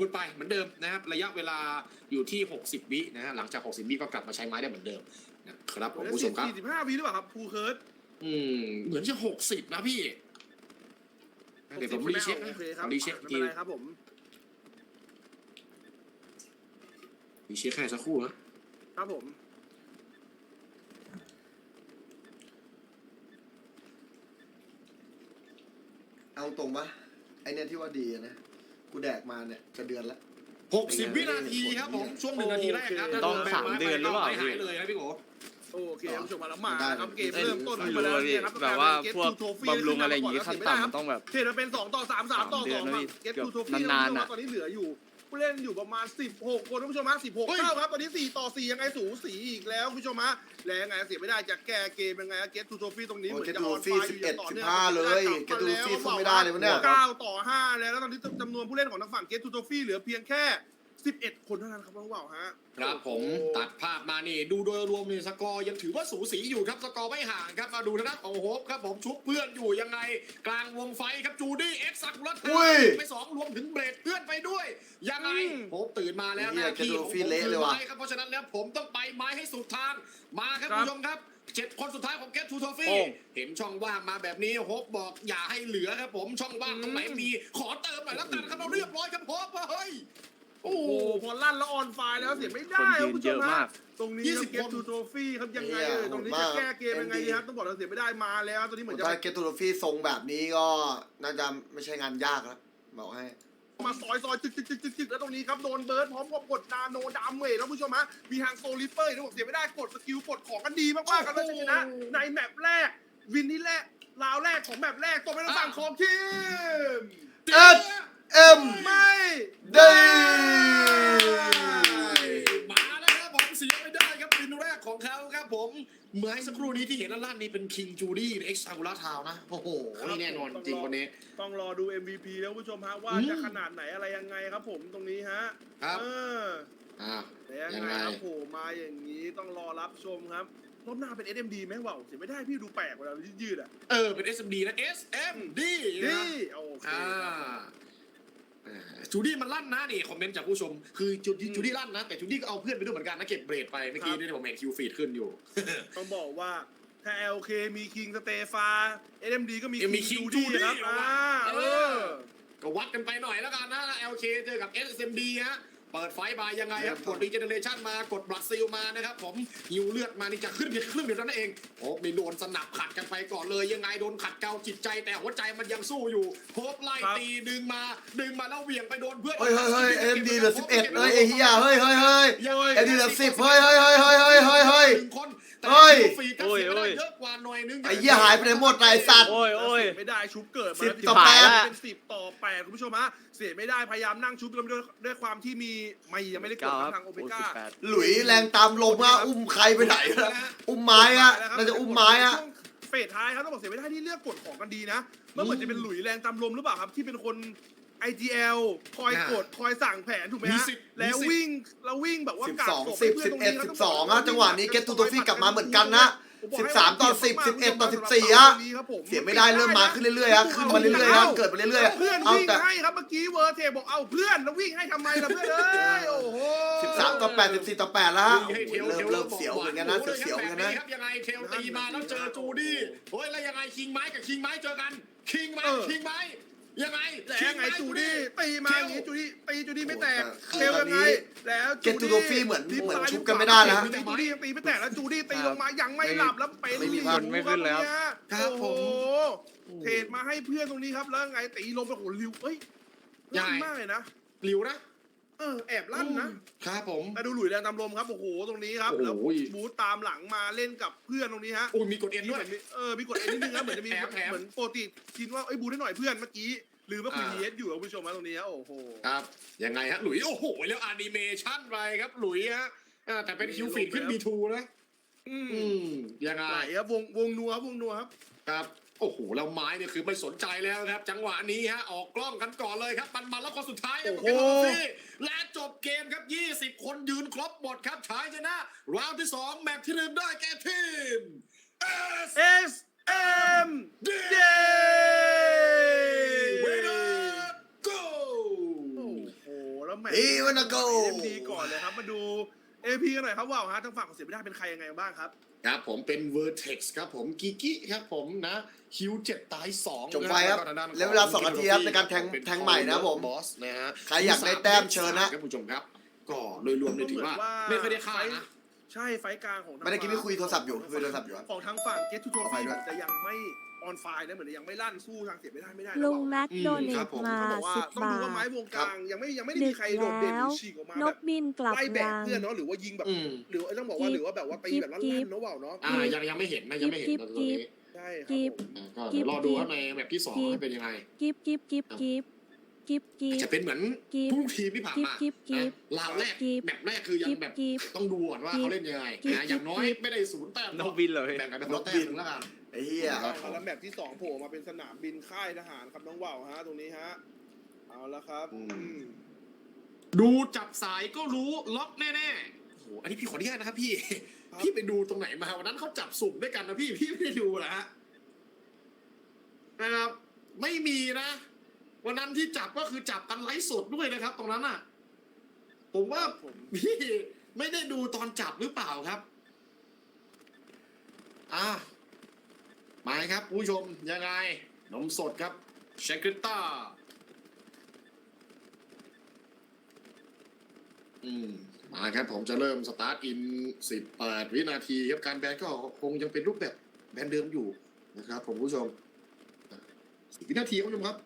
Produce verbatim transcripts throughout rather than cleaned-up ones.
กันไปเหมือนเดิมนะครับระยะเวลาอยู่ที่หกสิบวินะฮะหลังจากหกสิบวิก็กลับมาใช้ไม้ได้เหมือนเดิมนะครับคุณผู้ชมครับสี่สิบห้าวิหรือเปล่าครับภูเคิร์ดอืมเหมือนจะหกสิบนะพี่เดี๋ยวผมรีเช็คนะรีเช็คทีครับผมรีเช็คแค่สักครู่นะครับผมเอาตรงปะไอเนี่ยที่ว่าดีนะกูแดกมาเนี่ยจะเดือนละหกสิบวินาทีครับผมช่วงหนึ่งนาทีแรกครับต้องสามเดือนหรือเปล่าไม่หายเลยครับพี่โกโอเคผู้ชมมาแล้วมาครับเกมเริ่มต้นไม่มารู้แล้วพี่เนี่ยครับแบบว่าพวกบำรุงอะไรอย่างงี้ขั้นต่ำมันต้องแบบเทรดมาเป็นสองต่อสาม สามต่อสองเกตทูโทฟี่นานๆตอนนี้เหลืออยู่ผู้เล่นอยู่ประมาณสิบหกคนท่านผู้ชมฮะสิบหกเท่าครับตอนนี้สี่ต่อสี่ยังไงสูสีอีกแล้วผู้ชมฮะแล้วยังไงเสียไม่ได้จะแก้เกมยังไงเกตทูโทฟี่ตรงนี้เหมือนจะออนไฟอยู่อย่างต่อเนื่องเลยเกตทูโทฟี่สู้ไม่ได้เลยเนี่ยเก้าต่อห้าแล้วแล้วตอนนี้จำนวนผู้เล่นของทางฝั่งเกตทูโทฟี่เหลือเพียงแค่สิบเอ็ดคนเท่านั้นครับน้องว่าวฮะครับผมตัดภาพมานี่ดูโดยรวมนี่สกอร์ยังถือว่าสูสีอยู่ครับสกอร์ไม่ห่างครับมาดูทางด้านของโฮปครับผมชุบเพื่อนอยู่ยังไงกลางวงไฟครับจูดี้เอ็กซ์ซักรัตไปสองรวมถึงเบรดเพื่อนไปด้วยยังไงโฮปตื่นมาแล้วหน้าที่ของผมคือไม้ครับเพราะฉะนั้นแล้วผมต้องไปไม้ให้สุดทางมาครับผู้ชมครับเจ็ดคนสุดท้ายของเกตทูโทฟี่เห็นช่องว่างมาแบบนี้โฮปบอกอย่าให้เหลือครับผมช่องว่างตรงไหนมีขอเติมหน่อยแล้วกันครับเราเรียบร้อยครับโฮปเฮ้ยโอ้โหพอลั่นแล้วออนไฟแล้วเสียไม่ได้ครับผู้ชมฮะตรงนี้เกมทูโทฟี่ครับยังไงเลยตรงนี้จะแก้เกมยังไงดีครับต้องบอกเราเสียไม่ได้มาแล้วตอนนี้เหมือนจะถ้าเกตทูโทฟี่ทรงแบบนี้ก็น่าจะไม่ใช่งานยากแล้วบอกให้มาซอยซอยจึกจึกจึกจึกจึกแล้วตรงนี้ครับโดนเบิร์ดพร้อมกับกดนาโนดามเมจแล้วผู้ชมฮะมีทางโซลิเปอร์ที่บอกเสียไม่ได้กดสกิลกดของกันดีมากๆกันแล้วชนะในแมปแรกวินที่แรกราวแรกของแมปแรกตัวเป็นฝั่งของทีมเอ็มเอ็มไม่ได้มาแล้วครับผมเสียไม่ได้ครับวินแรกของเขาครับผมเมื่อสักครู่นี้ที่เห็นล่างนี่เป็นคิงจูดี้เอ็กซ์ซากุระทาวนะโอ้โหนี่แน่นอนจริงคนนี้ต้องรอดู เอ็ม วี พี แล้วผู้ชมฮะว่าจะขนาดไหนอะไรยังไงครับผมตรงนี้ฮะครับเอออ่ายังไงครับโผล่มาอย่างนี้ต้องรอรับชมครับรอบหน้าเป็น เอส เอ็ม ดี ไหมวะเสียไม่ได้พี่ดูแปลกเวลายืดๆอ่ะเออเป็น เอส เอ็ม ดี นะ เอส เอ็ม ดีดีโอเคจูดี้มันลั่นนะนี่คอมเมนต์จากผู้ชมคือจูดี้จูดี้ลั่นนะแต่จูดี้ก็เอาเพื่อนไปด้วยเหมือนกันนะเก็บเบรดไปเมื่อกี้นี่ผมเห็นคิวฟีดขึ้นอยู่ต้องบอกว่าถ้า แอล เค มีคิงสเตฟา เอส เอ็ม ดี ก็มีคิงจูดี้ครับอ่าเออก็วัดกันไปหน่อยแล้วกันนะ แอล เค เจอกับ เอส เอ็ม ดี ฮะเปิดไฟบายยังไงครับกดรีเจเนเรชั่นมากดบลัดซิลมานะครับผมหิวเลือดมานี่จะขึ้นเพียงครึ่งเดียวนั่นเองโอ้มีโดนสนับขัดกันไปก่อนเลยยังไงโดนขัดเกาจิตใจแต่หัวใจมันยังสู้อยู่โฮปไล่ตีดึงมาดึงมาแล้วเหวี่ยงไปโดนเพื่อนเฮ้ยเฮ้ยเฮ้ยเอ็มดีเหลือสิบเอ็ดเฮ้ยไอ้เหี้ยเฮ้ยเฮ้ยเฮ้ยเอ็มดีเหลือสิบเฮ้ยเฮ้ยเฮ้ยเฮ้ยเฮ้ยเฮ้ยเฮ้ยหนึ่งคนแต่เฮ้ยฟีก็เสียไม่ได้เยอะกว่าหน่อยนึงไอ้เหี้ยหายไปไหนหมดไอ้สัตว์โอ้ยโอ้ยไม่ได้ชุบเกิดมาสิบต่อแปดเป็นสิบต่อแปดคุณผู้ชมฮะเสียไม่ได้พยายามนั่งชุบด้วยด้วยความที่มีไม่ยังไม่ได้กดทางโอเมก้าหลุยแรงตามลมอะอุ้มใครไปไหนอะอุ้มไม้อะน่าจะอุ้มไม้อะเฟสท้ายครับต้องบอกเสียไม่ได้ที่เลือกกดของกันดีนะเมื่อเหมือนจะเป็นหลุยแรงตามลมหรือเปล่าครับที่เป็นคน ไอ จี แอล คอยกดคอยสั่งแผนถูกไหมฮะแล้ววิ่งแล้ววิ่งแบบว่าสิบสองสิบสิบเอ็ดสิบสองอะจังหวะนี้เกตตูโตฟี่กลับมาเหมือนกันนะสิบสามต่อสิบ สิบเอ็ดต่อสิบสี่ฮะเสียไม่ได้เริ่มมาขึ้นเรื่อยๆฮะขึ้นมาเรื่อยๆฮะเกิดมาเรื่อยๆเพื่อนวิ่งให้ครับเมื่อกี้เวอร์เทบอกเอาเพื่อนแล้ววิ่งให้ทำไมล่ะเพื่อนเอ้ยโอ้โหสิบสามต่อแปด สิบสี่ต่อแปดแล้วฮะเริ่มเริ่มเสียวเหมือนกันนะเสียวเหมือนกันนะยังไงเทลตีมาแล้วเจอจูดี้โอ้ยแล้วยังไงคิงไม้กับคิงไม้เจอกันคิงไม้คิงไม้ยังไงยังไงจูดี้ตีมาอย่างนี้จูดี้ตีจูดี้ไม่แตกเทลยังไงแล้วเกตตูโตฟี่เหมือนเหมือนชุบกันไม่ได้นะจูดี้ยังตีไม่แตกแล้วจูดี้ตีลงมายังไม่หลับแล้วเป็นไม่มีคนไม่ขึ้นแล้วโอ้โหเทรดมาให้เพื่อนตรงนี้ครับแล้วไงตีลงไปโหริวเอ้ยลั่นมากเลยนะริวนะเออแอบลั่นนะครับผมมาดูหลุยแรงตามลมครับโอ้โหตรงนี้ครับแล้วบูทตามหลังมาเล่นกับเพื่อนตรงนี้ฮะโอ้มีกดเอ็นด้วยเออมีกดเอ็นนิดนึงครับเหมือนจะมีเหมือนโปรตีคิดว่าไอ้บูทให้หน่อยเพื่อนเมื่อกี้หรือว่าคุยเอสอยู่คุณผู้ชมมาตรงนี้ฮะโอ้โหครับยังไงฮะหลุยโอ้โหแล้วแอนิเมชันไปครับหลุยฮะแต่เป็นคิวฟีดขึ้น บี ทู นะอืมยังไงครับวงวงนัววงนัวครับครับโอ้โหแล้วไม้เนี่ยคือไม่สนใจแล้วครับจังหวะนี้ฮะออกกล้องกันก่อนเลยครับมันมาแล้วคนสุดท้ายครับโอ้โหและจบเกมครับยี่สิบคนยืนครบหมดครับชายชนะราวที่สองแมตช์ที่หนึ่งได้แก่ทีมเอส เอ็ม ดี Winner Go โอ้โหแล้วแล้วแมตช์อีวานาโกเอ็มดีก่อนเลยครับมาดูเอพีกันหน่อยครับว่าวฮะทางฝั่งของเสียไม่ได้เป็นใครยังไงบ้างครับครับผมเป็น Vertex ครับผมกิกิครับผมนะคิวเจ็ดตายสองจบไปครับแล้วเวลาสองนาทีครับในการแทงแทงใหม่นะครับผมบอสนะฮะใครอยากได้แต้มเชิญนะครับผู้ชมครับก็โดยรวมเนี่ยถือว่าไม่เคอยได้ค่านะใช่ไฟกลางของไม่ได้กินไม่คุยโทรศัพท์อยู่คุยโทรศัพท์อยู่ครับของทางฝั่งเกตทูโทขอไปฟี่ด้วยจะยังไม่ออนไฟนะเหมือนยังไม่ลั่นสู้ทางเสียไม่ได้ไม่ได้ลุงนะแม็กโดเนครัตบผมมาเขาบอกว่าสิบต้องบาดูว่าไม้ทวงกลางยังไม่ยังไม่ได้มีใครโดดเด่นหรือฉีกออกมาน แบบกบินกลับไล่แบกรังเพื่อนเนาะหรือว่ายิงแบบอืมหรือต้องบอกว่าหรือว่าแบบว่าตีแบบลั่นๆเนาะว่าวเนาะอ่ายังยังไม่เห็นนะยังไม่เห็นตอนนี้ใช่ครับกิ๊บผมก็เดี๋ยวรอดูครับในแมปที่สองให้เป็นยังไงกิบกิบกิบกิบกิบกิบจะเป็นเหมือนกิ๊บทุกทีมที่ผ่านมากิ๊บกิ๊บนะลาวแรกกิ๊บแมปแรกคือยังกิบแบบกิบต้องดูก่อนว่าเขาเล่นยังไงกิ๊บนะอย่างน้อยกิ๊บไม่ได้ศูนย์แต้มนกบินเลยแบ่งกันเป็นคนละแต้มหนึ่งแล้วกันไอ้เหี้ยครับแล้วแมปที่สองโผล่มาเป็นสนามบินค่ายทหารครับน้องว่าวฮะตรงนี้ฮะเอาละครับอืมดูจับสายก็รู้ล็อกแน่ๆโอ้โหอันนี้พี่ขออนุญาตนะครับพี่ พี่ไปดูตรงไหนมาวันนั้นเขาจับสุ่มด้วยกันนะพี่พี่ไม่ได้ดูเหรอฮะนะครับไม่มีนะวันนั้นที่จับก็คือจับกันไลฟ์สดด้วยนะครับ ตรงนั้นอ่ะ ผมว่าผมพี่ไม่ได้ดูตอนจับหรือเปล่าครับอ่ะมาครับผู้ชมยังไงนมสดครับเชคริต้าอืมมาครับผมจะเริ่มสตาร์ทอินสิบแปดวินาทีครับการแบนก็คงยังเป็นรูปแบบแบนเดิมอยู่นะครับผมผู้ชมสิบวินาทีครับผู้ชมครับ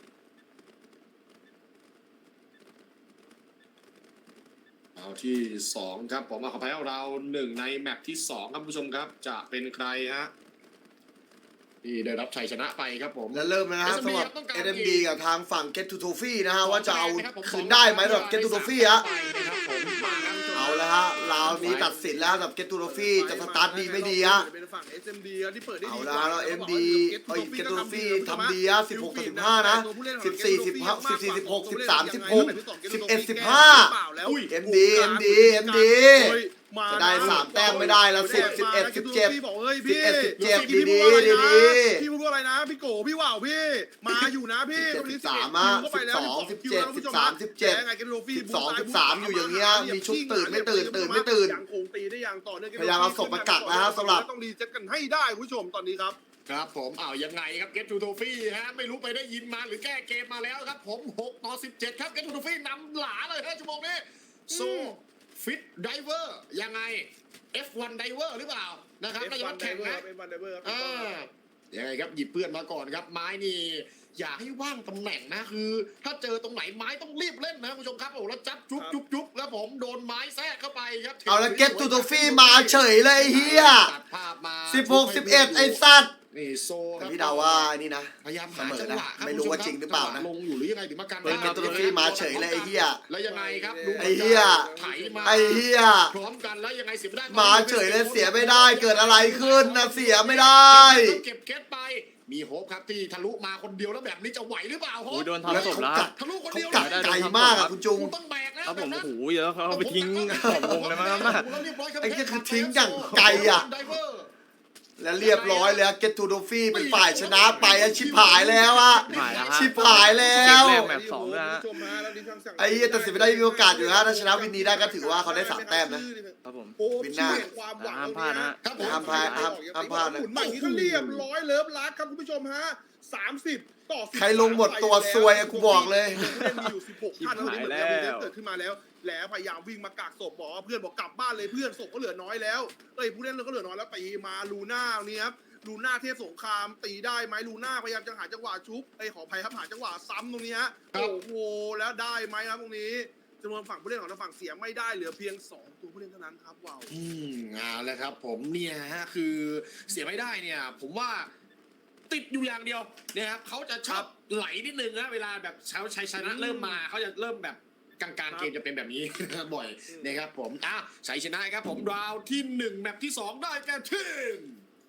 เอาที่สองครับผมมาขอพายเอาเราหนึ่งในแมปที่สองครับผู้ชมครับจะเป็นใครฮะที่ได้รับชัยชนะไปครับผมแล้วเริ่มแล้วนะฮะเอสสำหรับต้องการเอ็มดีกับทางฝั่ง Get to Trophy นะฮะว่าจะเอาคืนได้ไหมสำหรับ Get to Trophy ฮะ เอาแล้วฮะราวนี้ตัดสินแล้วสำหรับ Get to Trophy จะสตาร์ทดีไม่ดีฮะเป็นฝั่ง เอส เอ็ม ดี ครับที่เปิดได้ดีเอากละว่าแล้ว เอ็ม ดีแล้วก็เอ้ย Get Get to to Trophy Trophy ทำดีฮะสิบหกต่อสิบห้านะสิบสี่ สิบห้า สิบสี่ สิบหก สิบสาม สิบหก สิบเอ็ด สิบห้าอุ้ยเอ็ม ดี เอ็ม ดี เอ็ม ดี จะได้สามแต้มไม่ได้แล้วสิบ สิบเอ็ด สิบเจ็ดบอกเฮ้ยพี่สิบเอ็ด สิบเจ็ดพี่ดีพูดดีว่าอะไรดีนะดีพี่พูดว่าอะไรนะพี่โกพี่ว่าวพี่มาอยู่นะพี่สิบตรงนี้เจ็ด สิบสามอะคิวเข้าไปแล้วสิบสองคิวแล้วสิบเจ็ด สิบสาม สิบเจ็ดแล้วไงกันโรฟี่สิบสอง สิบสามอยู่อย่างเงี้ยมีชุดตื่นไม่ตื่นตื่นไม่ตื่นยังคงตีได้อย่างต่อเนื่องพยายามเอาศพมากักนะฮะสำหรับต้องรีเซ็ตกันให้ได้คุณผู้ชมตอนนี้ครับครับผมอ้าวยังไงครับเกตทูโทฟี่ฮะไม่รู้ไปได้ยินมาหรือแก้เกมมาแล้วครับผมหกต่อสิบเจ็ดครับเกตทูโทฟี่นำหลาเลยฮะชั่วโมงนี้โซฟิตไดเวอร์ยังไง เอฟ วัน ไดเวอร์หรือเปล่านะครับน่าจะวัดแข่งนะเอฟวันไดเวอร์ครับอ่ายังไงครับหยิบเพื่อนมาก่อนครับไม้นี่อย่าให้ว่างตำแหน่งนะคือ ถ้าเจอตรงไหนไม้ต้องรีบเล่นนะคุณผู้ชมครับโอ้แล้วจับจุ๊บจุ๊บจุ๊บแล้วผมโดนไม้แทรกเข้าไปครับเอาละ Get to Trophy มาเฉยเลยไอ้เฮียตัดภาพมาสิบหก สิบเอ็ด ไอ้สัตว์นี่โซคแต่รับพี่เดาว่านี่นะพยายามเสหามอจังนะหวะคบไม่รู้ว่าจริงหรือเปล่านะลงอยู่หรือยังไงถึงมากันเปิด Get to Trophy มาเฉยเลยไอ้เฮียแล้วยังไงครับดูไอ้เหี้ยไถมาไอ้เฮียพร้อมกันแล้วยังไงเสียไม่ได้มาเฉยเลยเสียไม่ได้เกิดอะไรขึ้นนะเสียไม่ได้ต้องเก็บเก็ตไปมีโฮปครับที่ทะลุมาคนเดียวแล้วแบบนี้จะไหวหรือเปล่าโฮโอ้ปยโดนแล้วทำศพเขาแล้วกัดทะลุคนเขาเดียวกัดไกลมากอะคุณจุงกูต้องแบกแล้วครับผมแบบนั้นโอ้โหเดี๋ยวเขาเอาไปทิ้งขอบวงเลยมั้งน่ะไอ้เหี้ยคือทิ้งอย่างไกลอะ แล้วเรียบร้อยแล้ว Get to Trophy เป็นฝ่ายชนะไปอะชิบหายแล้วอะหายแล้วฮะชิบหายแล้วเกมแรกแมตช์สองด้วยฮะไอ้เหี้ยแต่เสียไม่ได้มีโอกาสอยู่นะถ้าชนะวินนี้ได้ก็ถือว่าเขาได้สามแต้มนะครับผมโอ้วินหน้าชื่อแห่งความหวังห้ามพลาดนะครับผมห้ามพลาดห้ามห้ามพลาดนะหมุนใหม่นี้ก็เรียบร้อยเลิฟลักครับคุณผู้ชมฮะสามสิบต่อสิบใครลงหมดตัวซวยอะกูบอกเลยผู้เล่นมีอยู่สิบหกท่านชิบหายเหมือนแล้วเกิดขึ้นมาแล้วแล้วพยายามวิ่งมากักศพบอกว่าเพื่อนบอกกลับบ้านเลยเพื่อนศพก็เหลือน้อยแล้วเอ้ยผู้เล่นเราก็เหลือน้อยแล้วตีมาลูน่านี่ครับลูน่าเทพสงครามตีได้ไหมลูน่าพยายามจะหาจังหวะชุบไอ้ยขออภัยครับหาจังหวะซ้ำตรงนี้ฮะครับโอ้โหแล้วได้ไหมครับตรงนี้จำนวนฝั่งผู้เล่นของทางฝั่งเสียไม่ได้เหลือเพียงสองตัวผู้เล่นเท่านั้นครับว้าวอืมเอาละครับผมเนี่ยฮะคือเสียไม่ได้เนี่ย ผมว่าติดอยู่อย่างเดียวเนี่ยครับเขาจะชอบไหลนิดนึงนะเวลาแบบเช้าชัยชนะเริ่มมาเขาจะเริ่มแบบกลางๆเกมจะเป็นแบบนี้ บ่อยนะครับผมอ่ะชัยชนะครับผมราวที่หนึ่งแมปที่สองได้แก่ทีม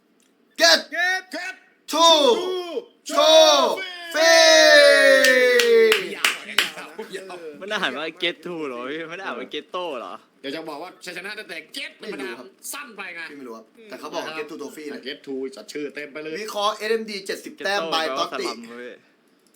Get เก็ตเก็ต to โช Trophy ยาวหน่อยนะครับยาวมันอ่านว่า get to เหรอพี่ไม่ได้อ่านว่า get to เหรอเดี๋ยวจะบอกว่าชัยชนะตั้งแต่เก็ตธรรมดาสั้นไปไงพี่ไม่รู้ครับแต่เขาบอก Get to Trophy นะเก็ตทูจัดชื่อเต็มไปเลยวิเคราะห์ เอ็ม ดี เจ็ดสิบแต้มใบ Get to ตอตติแปลว่าสลัมเว้ย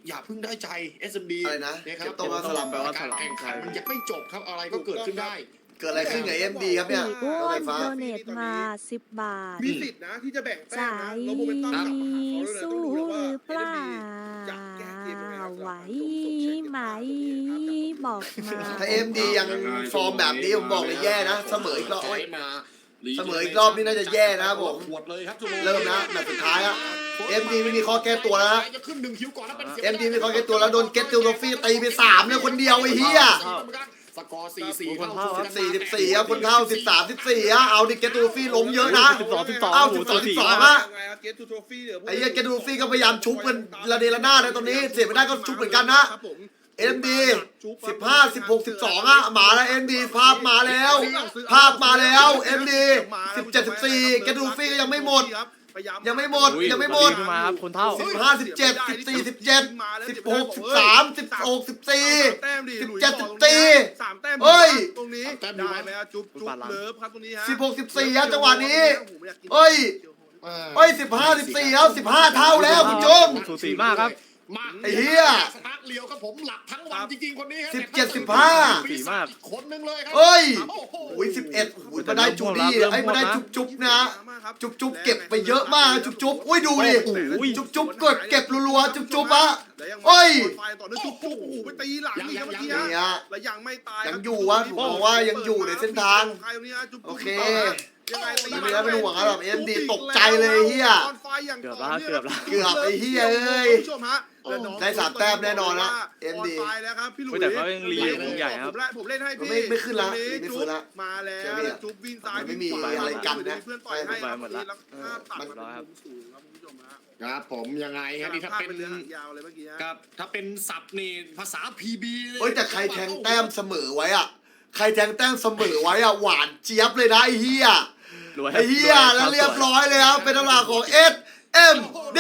อย่าเพิ่งได้ใจ เอส เอ็ม ดีอะไรนะนะครัเก็บบโต้ว่าสลับแปลว่าสการลับแข่งขันมันยังไม่จบครับอะไรก็เกิดขึ้นได้เกิดอะไรขึ้นกับเอ็มดีครับเนี่ยอ้รถวไฟนฟ้าโดเนทมาสิบบาทมีสิทธิ์นะที่จะแบ่งแต้ใจมนะแล้วโมเมนตัมกลับมาหาเขาเลยนะต้อสู้งดูแล้วหว่ารือเปล่าจะแก้เกมยังไงครับไหวไหมบอกมาถ้าเอ็มดียังฟอร์มแบบนี้ผมบอกเลยแย่นะ เสมออีกรอบใช้มาเสมออีกรอบนี่น่าจะแย่นะครับผมขวดเลยครับจูโเริ่มนะแมตช์สุดท้ายอะ เอ็ม ดี ไม่มีข้อแก้ตัวแล้วนะจะขึ้นหนึ่งคิวก่อนแล้วเป็นสียเอ็มดีไม่มีข้อแก้ตัวแล้วโดนเก็ตติลโทฟี่ตีไปสามเลยคนเดียวไอ้เหี้ยสกอร์สี่สี่คนเท่าครับสี่สิบสี่ครับคนเท่าสิบสามสิบสี่อะเอาดิเก็ตติลโทฟี่ล้มเยอะนะสิบสองสิบสองเอ้าโโหสิบสองตัวสี่สิบสองมากอะยังไงครับ Get to Trophy เดี๋ยวไอ้เหี้ยเก็ตติลโทฟี่ก็พยายามชุบกันระเนระนาดเลยตอนนี้เสียไม่ได้ก็ชุบเหมือนกันนะครับผมเอ็มดีสิบห้าสิบหกสิบสองอะมาแล้วเอ็มดีภาพมาแล้ว ภาพมาแล้วเอ็มดีสิบเจ็ดสิบสี่เก็ตติลโทฟี่ก็ยังไม่หมด ยังไม่หมดอุ้ยังไม่หมดขึ้นมาครับคนเท่าสิบห้าสิบเจ็ดสิบสี่สิบเจ็ดสิบหกสิบสามสิบหกสิบสี่แต้มดิสิบหลุยเจ็ดบอกสิบตรงสี่นี้สามแต้มเฮ้ยตรงนี้ได้ไหมครับจุ๊บจุ๊บเลิฟครับตรงนี้ฮะสิบหกสิบสี่อะจังหวะนี้เฮ้ย เฮ้ยสิบห้าสิบสี่แล้วสิบห้าเท่าแล้วคุณผู้ชมสูสีมากครับมาไอ้เหี้ยสตาร์ทเลียวครับผมหลับทั้งวันจริงๆคนนี้ครับสิบเจ็ดสิบห้าปีศจอีกคนนึงเลยครัเฮ้ยโอ้โหโอ้ยสิบเอ็ดโอ้ยมาได้จูดี้ไอ้ยมาได้จุ๊บจุ๊บนะ จุ๊บจุ๊บเก็บไปเยอะมากจุ๊บจุ๊บอุ้ยดูดิโอ้ยจุ๊บจุ๊บกดเก็บรัวๆจุ๊บจุ๊บอะเฮ้ยไฟต่อเนื่องจุ๊บจุ๊บโอ้โหไปตีหลังอีกครับเมื่อกี้นี่ฮะฮะแล้วยังไม่ตายยังอยู่วะผมบอกว่ายังอยู่ในเส้นทางใครตรงนี้ฮะจุ๊บโอเคยังไงตีไม่มีแล้วไม่ห่วงแล้วแบบ เอ็ม ดี ตกใจเลยเฮียออนไฟอย่างต่เกือบละเกือบไอ้เหี้ยเอ้ยคุณผู้ชมฮะและน้องได้สามแต้มแน่นอนนะออนเอ็ม ดีไฟแล้วครับพี่หลุยเฮ้ยแต่เขายังรีอยู่วงใหญ่ครับผมเล่นผมเล่นให้พี่ไม่ไม่ขึ้นละตรงไม่ฟื้นละจุ๊บมาแล้วเชื่อพี่อะจุ๊บวิ่งซ้ายมันไม่มีวิ่งขวาอะไรกันนะเพื่อนต่อยให้ครับหมดละแล้วภาพตัดมันมาเป็นมุมสูงครับคุณผู้ชมฮะครับผมยังไงครับนี่ถ้าภาพเป็นเป็นเรือหางยาวเลยเมื่อกี้ฮะครับถ้าเป็นศัพท์นี่ภาษา พี บีเฮ้ยแต่ใครแทงแต้มเสมอไว้อะใครแทงแต้มเสมอไว้อะหวานเจี๊ยบเลยนะไอ้เหี้ยรวยไอ้เหี้ยแล้วเรียบร้อยเลยครับเป็นตลาดของ เอส เอ็ม ดี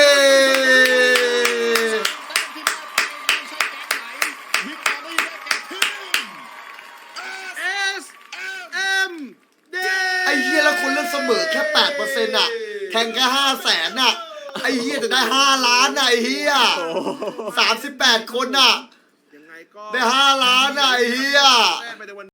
เอสเอ็มดีไอ้เหี้ยแล้วคนเล่นเสมอแค่แปดเปอร์เซ็นต์อะแทงแค่ห้าแสนอะไอ้เหี้ยจะได้ห้าล้านอะไอ้เหี้ยโอ้โหสามสิบแปดคนอะยังไงก็ได้ห้าล้านอะไอ้เหี้ยแต้มไปในวัน